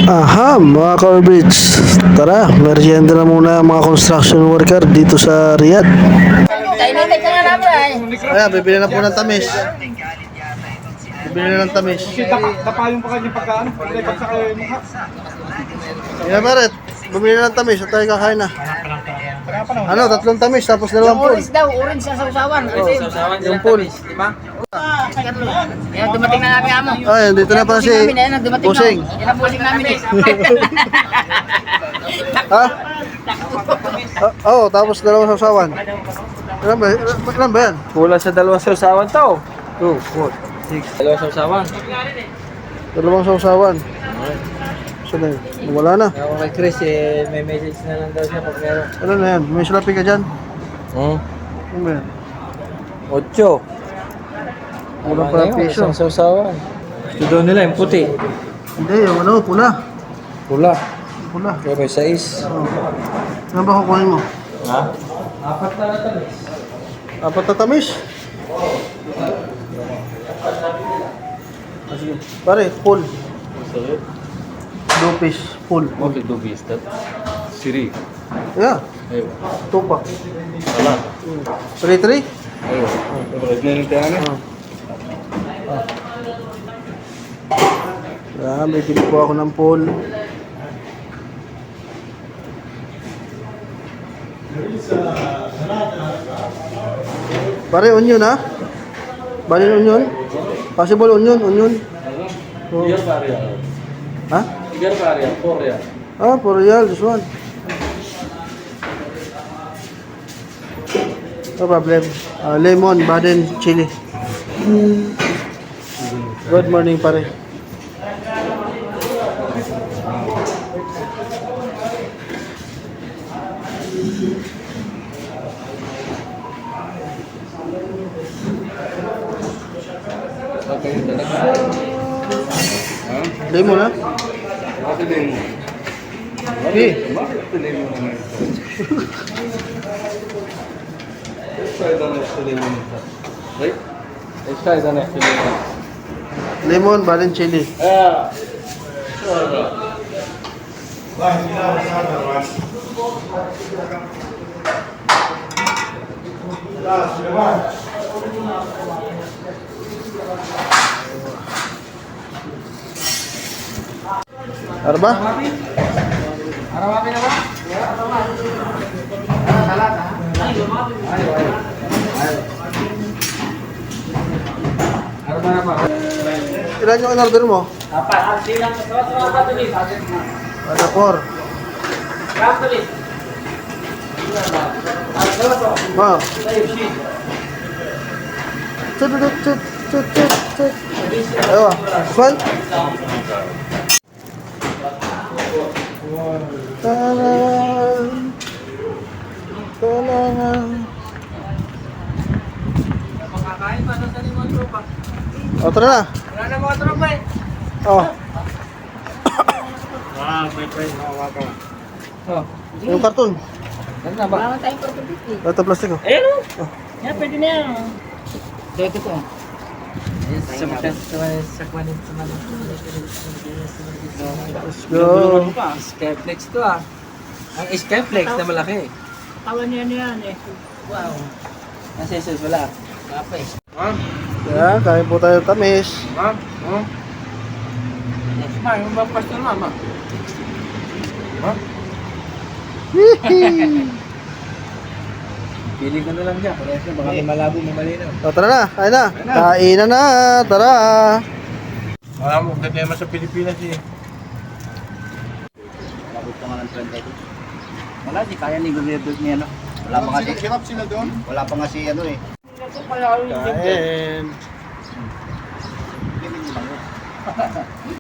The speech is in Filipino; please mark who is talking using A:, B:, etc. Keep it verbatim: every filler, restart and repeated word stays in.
A: Aha, mga Corbridge. Tara, merienda na muna ang mga construction worker dito sa Riyadh.
B: Kainitin ka na namin eh.
A: Ayan, bibili na po ng tamis. Bibili na ng tamis.
C: Napayong pa kanya pagkaan. Pag sa kayo yung mukha.
A: Yan, Maret. Bumili na ng tamis at tayo kakain na. Ano, tatlong tamis tapos dalawang pool.
B: Orange daw, orange sa sausawan.
A: Yung pool.
B: Yan, dumating na namin amo.
A: Ayan, dito na pala si Pusing.
B: Yan ang pusing namin eh.
A: Ha? Ah, Oo, oh, tapos dalawang sausawan. Ilan ba? Ilan ba yan?
C: Kulang sa dalawang sausawan to. two, four, six. Dalawang sausawan.
A: Dalawang sausawan. So na yun. Wala na.
C: Ako kay Chris eh, may message na lang daw siya pag meron.
A: Ano na yan? May salapi ka dyan?
C: Hmm?
A: Ano ba yan?
C: Ocho.
A: Kulang pa ng piso.
C: Isang sausawan. Ito daw nila yung puti.
A: Hindi, yung ano, pula.
C: Pula.
A: Pula.
C: Kaya may sais.
A: Oh. Ano ba kukunin mo?
C: Ha? Apat na natamis.
A: Apat na tamis? Ah, sige. Pare, full. Dupis, full.
D: Okey, two piece that. Siri.
A: Yeah,
D: Ayun.
A: tupak.
D: Wala.
A: Three, three?
D: Ayun. Original tayo na.
A: Ah, may bili po ako ng full. Pare, onion ha? Bali onion? Possible onion, onion. Oh.
D: Tiga pare.
A: Ha?
D: Tiga pare, four ya.
A: Ah, for real, this one. No problem. Uh, lemon, baden, chili. Good morning, pare.
D: Okay, talaga. Ha?
A: Lemon, ha?
D: Bakit din mo?
A: Okay.
D: Bakit din mo naman ito? Let's try the next lemon ito. Right? Let's try the next lemon.
A: Lemon, baden, chili.
D: Ah. Sure.
A: Ano ba?
C: Arawapi na ba? Araw na ba?
A: Ilan yung in-order mo?
C: Apat.
A: Ada four. Ma. Tut tut tut tut tut tut. Ayo, Swan. Tanan. Tanan.
C: Makakain pa sa limang tropa.
A: O, tara na.
C: Wala na mga tropa eh.
A: Oh,
C: Ah, may price na waka. Oh.
A: yung karton.
C: Ano na ba?
B: Wala naman tayong pagkabiti.
A: Ito plastic oh.
C: Ayun
A: Oh.
B: Yan, pwede na yan. Ito, ito po.
C: Sa mga sa sa kwanin sa mga
A: Let's go.
C: Skyflex to ah. Ang Skyflex na malaki.
B: Tawan niya yan eh. Wow.
C: Nasa Jesus wala.
B: Kapay.
C: Ma'am,
A: Yan, kain po tayo ng tamis.
C: ma'am, ma'am. Yes, ma'am, yung bang pastor ma'am. ah. Ma'am, pili ko na lang dyan. Kasi baka may malabo, may malinaw.
A: O, tara na, kain na. Kain na na, tara.
C: Wala mo, ganda naman sa Pilipinas eh.
E: Wala, di kaya ni gobyerno niya, no? Wala pa nga si... Hirap sila doon? Wala pa nga si, ano eh.
A: Kain.